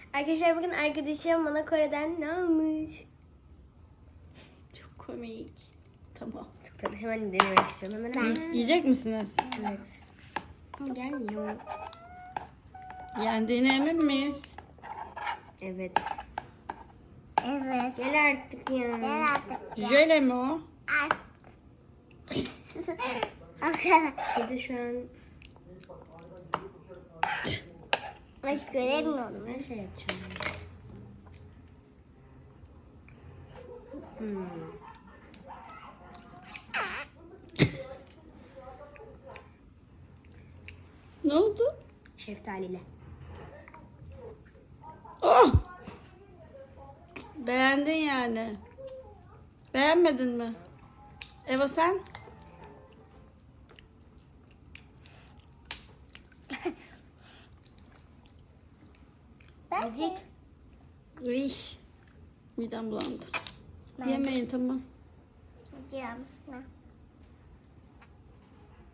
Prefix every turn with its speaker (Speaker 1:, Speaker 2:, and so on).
Speaker 1: Arkadaşlar bugün arkadaşım bana Kore'den ne almış?
Speaker 2: Çok komik. Tamam.
Speaker 1: Çok tatlı. Hemen denemek istiyorum. Hemen.
Speaker 2: Yiyecek misiniz?
Speaker 1: Evet. Ama gelmiyor.
Speaker 2: Yendiğine emin miyiz?
Speaker 1: Evet.
Speaker 3: Evet.
Speaker 1: Gel artık ya.
Speaker 3: Gel artık.
Speaker 2: Jöle mi o?
Speaker 1: Bir de şu an
Speaker 3: Bak göremiyorum.
Speaker 1: ben şey yapacağım.
Speaker 2: Ne oldu?
Speaker 1: Şeftaliyle.
Speaker 2: Oh! Beğendin yani. Beğenmedin mi? Eva sen?
Speaker 1: Yiyecek.
Speaker 2: Uy. Midem bulandı. Yemeyin tamam.
Speaker 3: Gidiyorum.